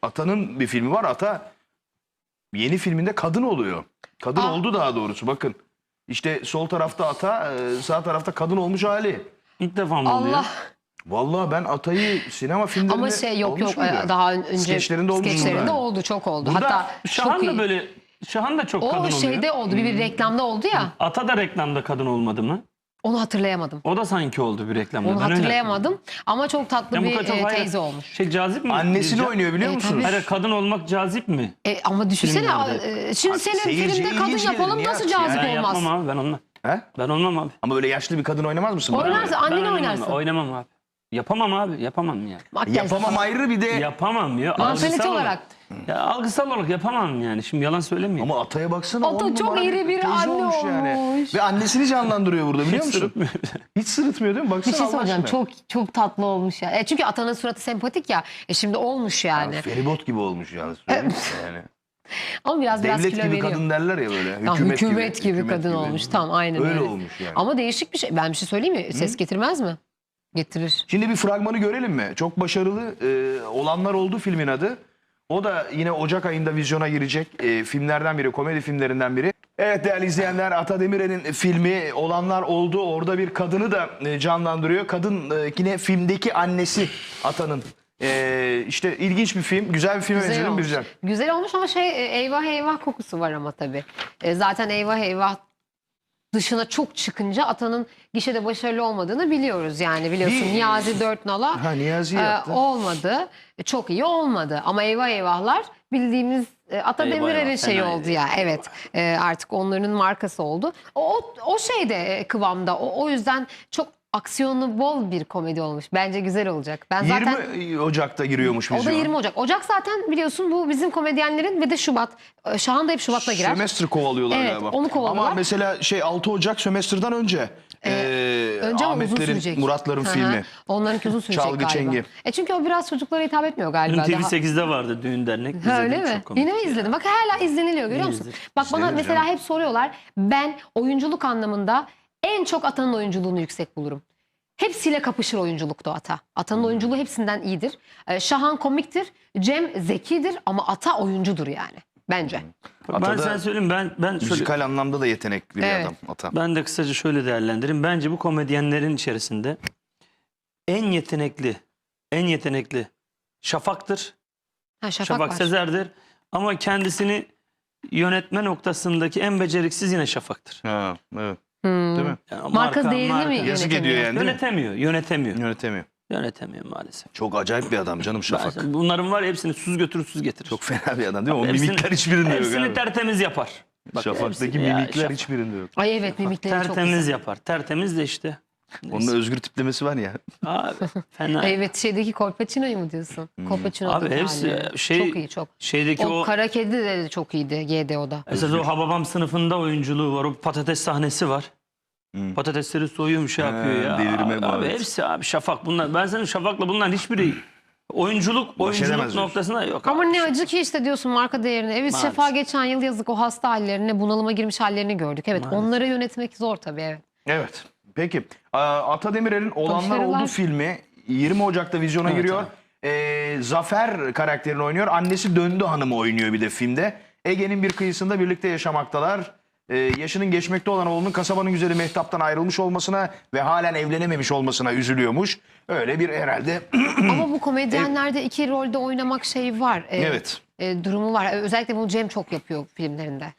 Ata'nın bir filmi var. Ata yeni filminde kadın oluyor. Kadın oldu daha doğrusu, bakın. İşte sol tarafta Ata, sağ tarafta kadın olmuş hali. İlk defa mı oluyor? Allah. Vallahi ben Ata'yı sinema filmlerinde Ama yok olmuş muydu? daha önce Skeçlerinde olmuş skeçlerinde mu? oldu, çok oldu. Burada Hatta Şahan çok da iyi. böyle, Şahan da çok kadın O oluyor. şeyde oldu, bir reklamda oldu ya. Ata da reklamda kadın olmadı mı? Onu hatırlayamadım. O da sanki oldu bir reklamda. Onu Ben öyle hatırlayamadım ama çok tatlı hatırlıyorum. bir Ya bu kadar çok teyze hayır. olmuş. Şey cazip mi? Annesini Diyeceğim. oynuyor biliyor musunuz? tabii. Hayır, kadın olmak cazip mi? Ama düşünsene, Filmlerde. şimdi senin seyirciye filmde kadın ilginç gelir, yapalım, niye nasıl yapsın cazip Ben olmaz? yapmam abi, ben olmam. He? Ben olmam abi. Ama böyle yaşlı bir kadın oynamaz mısın? Oynarsın, Ben anneni oynamam, oynarsın. Oynamam abi. Yapamam abi, yapamam ya. Makyaj Yapamam falan. ayrı, bir de Yapamam ya. Mantalite algısal olarak. Ya algısal olarak yapamam yani. Şimdi yalan söylemeyeyim. ama Ata'ya baksana. Ata 10 çok numara iri bir teyze anne yani. olmuş. Ve annesini canlandırıyor burada, biliyor musun? Sırıtmıyor. Hiç sırıtmıyor değil mi? Baksana Bir şey Allah söyleyeceğim, aşkına. çok tatlı olmuş ya. Çünkü Atan'ın suratı sempatik ya. Şimdi olmuş yani. Feribot gibi olmuş yalnız. Yani. Ama biraz Devlet kilo gibi veriyor. kadın derler ya böyle. Ya, hükümet gibi kadın olmuş. Tam aynen Öyle olmuş yani. Ama değişik bir şey. Ben bir şey söyleyeyim mi? Ses getirmez mi? Getirir. Şimdi bir fragmanı görelim mi? Çok başarılı olanlar oldu filmin adı. O da yine Ocak ayında vizyona girecek filmlerden biri, komedi filmlerinden biri. Evet değerli izleyenler, Ata Demirer'in filmi Olanlar Oldu. Orada bir kadını da canlandırıyor. Kadın yine filmdeki annesi Ata'nın. İşte ilginç bir film, güzel bir film Güzel olmuş. Bircan. Güzel olmuş ama eyvah eyvah kokusu var ama tabii. Zaten eyvah eyvah dışına çok çıkınca Atan'ın gişede başarılı olmadığını biliyoruz yani, biliyorsun. Niyazi Dörtnal'a Niyazi yaptı. olmadı. Çok iyi olmadı ama eyvah eyvahlar bildiğimiz Ata Eyvah Demirer'in eyvah, şeyi fena oldu ya. Evet. Artık onların markası oldu. O şeyde kıvamda. O yüzden çok aksiyonu bol bir komedi olmuş. Bence güzel olacak. Ben zaten 20 Ocak'ta giriyormuş o da vizyona. 20 Ocak. Ocak zaten biliyorsun bu bizim komedyenlerin ve de Şubat. Şahan da hep Şubat'ta girer. Sömestr kovalıyorlar Evet, galiba. onu kovalıyorlar. Ama mesela 6 Ocak sömestrden önce. Önce ama uzun Ahmetlerin, sürecek. Muratların Hı hı. filmi. Onlarınki uzun sürecek Çalgı galiba. Çengi. Çünkü o biraz çocuklara hitap etmiyor galiba. Dün Daha... TV8'de vardı düğün dernek. Ha, öyle İzledim, mi? çok komik. Yine mi izledin? Bak hala izleniliyor, görüyor musun? izledim. Bak bana İzlenir mesela canım. hep soruyorlar. Ben oyunculuk anlamında en çok Atan'ın oyunculuğunu yüksek bulurum. Hepsiyle kapışır oyunculukta Ata. Ata'nın oyunculuğu hepsinden iyidir. Şahan komiktir. Cem zekidir ama Ata oyuncudur yani. Bence. Ben Ata da sana söyleyeyim, ben şöyle, Müzikal anlamda da yetenekli bir Evet. adam Ata. ben de kısaca şöyle değerlendireyim. Bence bu komedyenlerin içerisinde en yetenekli Şafak'tır. Ha, Şafak var. Sezer'dir. Ama kendisini yönetme noktasındaki en beceriksiz yine Şafak'tır. Ha, evet. Hmm. Değil mi? Yani Marka değerini mi Yazık yönetemiyor? ediyor yani, değil mi? Yönetemiyor Yönetemiyor. maalesef. Çok acayip bir adam canım Şafak. Bunların var ya, hepsini süz götürür süz getirir. Çok fena bir adam değil mi? O Hepsini- mimikler hiçbirinde yok Hepsini abi. tertemiz yapar. Bak, Şafak'taki hepsini- ya, mimikler Şafak hiçbirinde yok. Ay evet, mimikleri çok tertemiz güzel. yapar. Tertemiz de işte. Onun Özgür tiplemesi var ya. Abi fena. Evet, şeydeki Kolpaçino'yu mu diyorsun? Kolpaçino'daki Abi hepsi hali. şey, çok iyi, çok. şeydeki O o Kara Kedi de çok iyiydi GDO'da. mesela o Hababam sınıfında oyunculuğu var. O patates sahnesi var. Patatesleri soyuyor, şey yapıyor ya. delirme Abi muhabbeti. hepsi abi Şafak bunlar. Ben senin Şafak'la bunların hiçbiri oyunculuk edemez diyorsun. noktasında yok. Ama abi. ne acı ki işte diyorsun marka değerini. Evet, Maalesef. Şefa geçen yıl yazık o hasta hallerini, bunalıma girmiş hallerini gördük. Evet, Maalesef. onları yönetmek zor tabii, evet. Evet. Peki. Ata Demirer'in Olanlar Başarılar. Oldu filmi 20 Ocak'ta vizyona Evet, giriyor. Zafer karakterini oynuyor. Annesi Döndü Hanım'ı oynuyor bir de filmde. Ege'nin bir kıyısında birlikte yaşamaktalar. Yaşının geçmekte olan oğlunun kasabanın güzeli Mehtap'tan ayrılmış olmasına ve halen evlenememiş olmasına üzülüyormuş. Öyle bir herhalde Ama bu komedyenlerde iki rolde oynamak şeyi var. evet. Durumu var. Özellikle bunu Cem çok yapıyor filmlerinde.